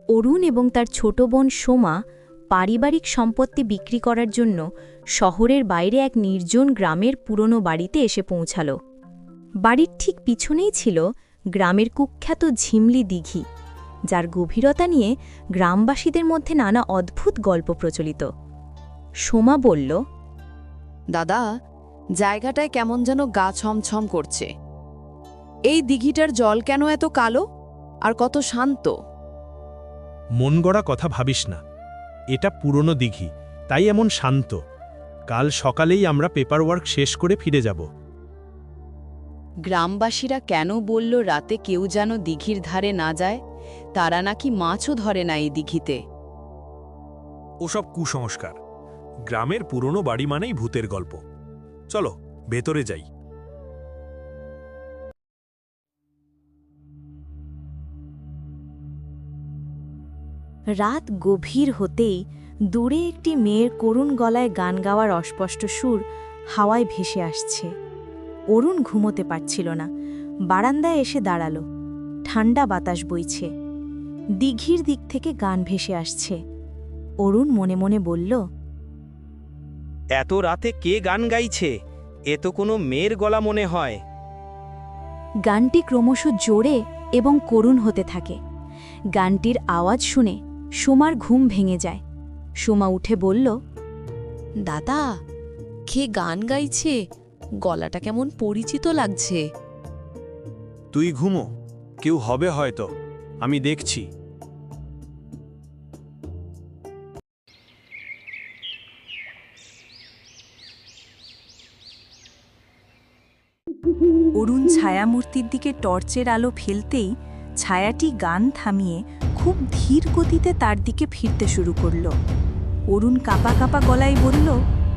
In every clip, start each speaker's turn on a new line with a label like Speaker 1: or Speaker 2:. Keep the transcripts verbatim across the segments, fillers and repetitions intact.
Speaker 1: অরুণ এবং তার ছোট বোন সোমা পারিবারিক সম্পত্তি বিক্রি করার জন্য শহরের বাইরে এক নির্জন গ্রামের পুরনো বাড়িতে এসে পৌঁছাল। বাড়ির ঠিক পিছনেই ছিল গ্রামের কুখ্যাত ঝিমলি দিঘি, যার গভীরতা নিয়ে গ্রামবাসীদের মধ্যে নানা অদ্ভুত গল্প প্রচলিত। সোমা বলল,
Speaker 2: দাদা, জায়গাটায় কেমন যেন গা ছমছম করছে। এই দিঘিটার জল কেন এত কালো আর কত শান্ত?
Speaker 3: মন গড়া কথা ভাবিস না, এটা পুরনো দিঘি, তাই এমন শান্ত। কাল সকালেই আমরা পেপার ওয়ার্ক শেষ করে ফিরে যাব।
Speaker 2: গ্রামবাসীরা কেন বলল রাতে কেউ যেন দিঘির ধারে না যায়? তারা নাকি মাছও ধরে না এই দিঘিতে।
Speaker 3: ওসব কুসংস্কার। গ্রামের পুরনো বাড়ি মানেই ভূতের গল্প। চলো ভেতরে যাই।
Speaker 1: রাত গভীর হতেই দূরে একটি মেয়ের করুণ গলায় গান গাওয়ার অস্পষ্ট সুর হাওয়ায় ভেসে আসছে। অরুণ ঘুমোতে পারছিল না, বারান্দায় এসে দাঁড়াল। ঠান্ডা বাতাস বইছে, দিঘির দিক থেকে গান ভেসে আসছে। অরুণ মনে মনে বলল,
Speaker 4: এত রাতে কে গান গাইছে? এ তো কোনো মেয়ের গলা মনে হয়।
Speaker 1: গানটি ক্রমশ জোরে এবং করুণ হতে থাকে। গানটির আওয়াজ শুনে সোমার ঘুম ভেঙে যায়। সোমা উঠে বলল,
Speaker 2: দাদা, কে গান গাইছে? গলাটা কেমন পরিচিত লাগছে।
Speaker 3: তুই ঘুমো, কেউ হবে হয়তো, আমি দেখছি।
Speaker 5: অরুণ ছায়ামূর্তির দিকে টর্চের আলো ফেলতেই ছায়াটি গান থামিয়ে খুব ধীর গতিতে তার দিকে ফিরতে শুরু করল। অরুণ কাঁপা কাঁপা গলায় বলল,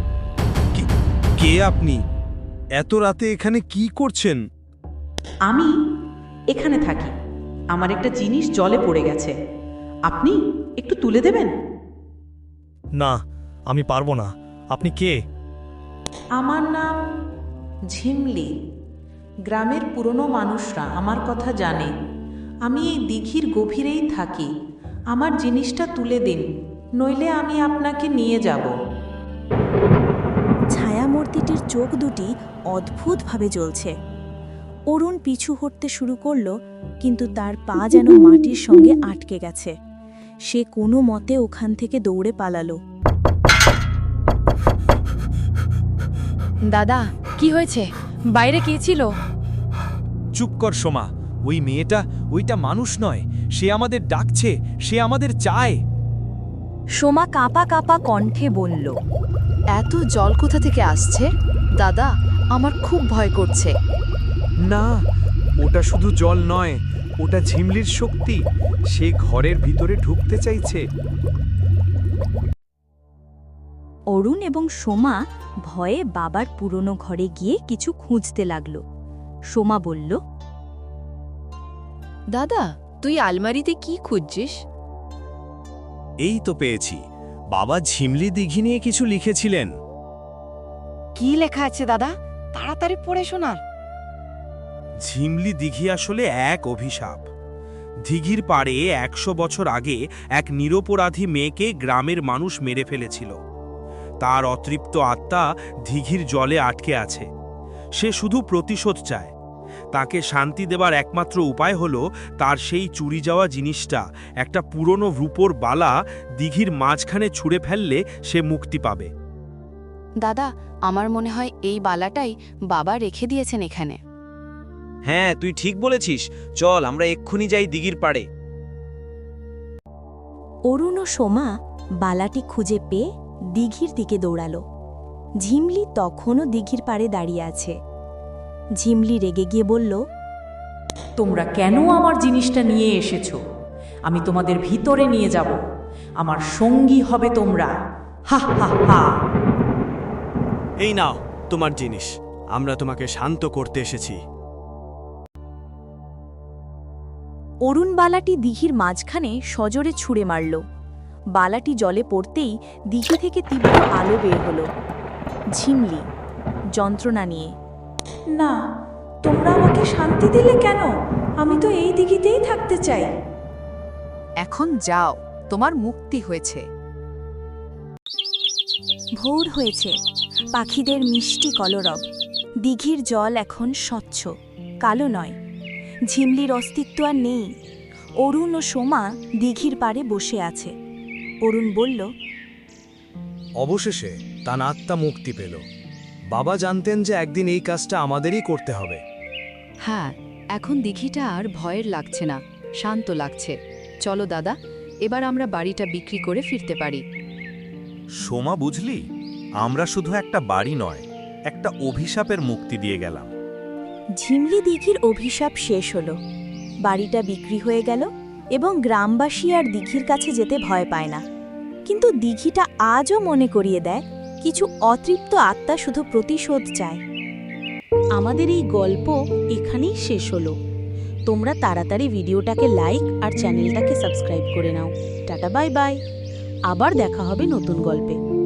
Speaker 3: কে আপনি? এত রাতে এখানে কি করছেন?
Speaker 6: আমি এখানে থাকি। আমার একটা জিনিস জলে পড়ে গেছে, আপনি একটু তুলে দেবেন?
Speaker 7: না, আমি পারবো না। আপনি কে?
Speaker 6: আমার নাম ঝিমলি। গ্রামের পুরনো মানুষরা আমার কথা জানে। আমি এই দিঘির গভীরেই থাকি। আমার জিনিসটা তুলে দিন, নইলে আমি আপনাকে নিয়ে যাব।
Speaker 5: ছায়ামূর্তিটির চোখ দুটি অদ্ভুতভাবে জ্বলছে। অরুণ পিছু হটতে শুরু করল, কিন্তু তার পা যেন মাটির সঙ্গে আটকে গেছে। সে কোনো মতে ওখান থেকে দৌড়ে পালালো।
Speaker 2: দাদা, কি হয়েছে? বাইরে কে ছিল?
Speaker 3: চুপ কর সোমা, ওই মেয়েটা, ওইটা মানুষ নয়। সে আমাদের ডাকছে, সে আমাদের চায়।
Speaker 1: সোমা কাঁপা কাঁপা কণ্ঠে বলল,
Speaker 2: এত জল কোথা থেকে আসছে? দাদা, আমার খুব ভয় করছে।
Speaker 3: না, ওটা শুধু জল নয়, ওটা ঝিমলির শক্তি। সে ঘরের ভিতরে ঢুকতে চাইছে।
Speaker 1: অরুণ এবং সোমা ভয়ে বাবার পুরনো ঘরে গিয়ে কিছু খুঁজতে লাগল। সোমা বলল,
Speaker 2: দাদা, তুই আলমারিতে কি খুঁজছিস?
Speaker 4: এই তো পেয়েছি। বাবা ঝিমলি দিঘি নিয়ে কিছু লিখেছিলেন।
Speaker 8: কি লেখা আছে দাদা? তাড়াতাড়ি পড়ে শোনার।
Speaker 3: ঝিমলি দিঘি আসলে এক অভিশাপ। দিঘির পাড়ে একশো বছর আগে এক নিরপরাধী মেয়েকে গ্রামের মানুষ মেরে ফেলেছিল। তার অতৃপ্ত আত্মা দিঘির জলে আটকে আছে। সে শুধু প্রতিশোধ চায়। তাকে শান্তি দেবার একমাত্র উপায় হলো তার সেই চুরি যাওয়া জিনিসটা, একটা পুরনো রূপোর বালা, দিঘির মাঝখানে ছুঁড়ে ফেললে সে মুক্তি পাবে।
Speaker 2: দাদা, আমার মনে হয় এই বালাটাই বাবা রেখে দিয়েছেন এখানে।
Speaker 4: হ্যাঁ, তুই ঠিক বলেছিস। চল আমরা এক্ষুনি যাই দিঘির পাড়ে।
Speaker 1: অরুণ ও সোমা বালাটি খুঁজে পেয়ে দিঘির দিকে দৌড়াল। ঝিমলি তখনও দিঘির পাড়ে দাঁড়িয়ে আছে। ঝিমলি রেগে গিয়ে বলল,
Speaker 6: তোমরা কেন আমার জিনিসটা নিয়ে এসেছো? আমি তোমাদের ভিতরে নিয়ে যাব। আমার সঙ্গী হবে তোমরা। হা হা হা।
Speaker 7: এই নাও তোমার জিনিস। আমরা তোমাকে শান্ত করতে এসেছি।
Speaker 1: অরুণ বালাটি দিঘির মাঝখানে সজোরে ছুঁড়ে মারল। বালাটি জলে পড়তেই দিঘি থেকে তীব্র আলো বের হল। ঝিমলি যন্ত্রণা নিয়ে,
Speaker 6: না, তোমরা আমাকে শান্তি দিলে কেন? আমি তো এই দিঘিতেই থাকতে চাই।
Speaker 2: এখন যাও, তোমার মুক্তি হয়েছে।
Speaker 5: ভোর হয়েছে, পাখিদের মিষ্টি কলরব। দিঘির জল এখন স্বচ্ছ, কালো নয়। ঝিমলির অস্তিত্ব আর নেই। অরুণ ও সোমা দিঘির পাড়ে বসে আছে। অরুণ বলল,
Speaker 7: অবশেষে তার আত্মা মুক্তি পেল। বাবা জানতেন যে একদিন এই কাজটা আমাদেরই করতে হবে।
Speaker 2: হ্যাঁ, এখন দিঘিটা আর ভয়ের লাগছে না, শান্ত লাগছে। চলো দাদা, এবার আমরা বাড়িটা বিক্রি করে ফিরতে পারি।
Speaker 9: সোমা, বুঝলি, আমরা শুধু একটা বাড়ি নয়, একটা অভিশাপের মুক্তি দিয়ে গেলাম।
Speaker 5: ঝিমলি দিঘির অভিশাপ শেষ হলো। বাড়িটা বিক্রি হয়ে গেল এবং গ্রামবাসী আর দিঘির কাছে যেতে ভয় পায় না। কিন্তু দিঘিটা আজও মনে করিয়ে দেয়, কিছু অতৃপ্ত আত্মা শুধু প্রতিশোধ চায়।
Speaker 6: আমাদের এই গল্প এখানেই শেষ হলো। তোমরা তাড়াতাড়ি ভিডিওটাকে লাইক আর চ্যানেলটাকে সাবস্ক্রাইব করে নাও। Tata, bye bye. আবার দেখা হবে নতুন গল্পে।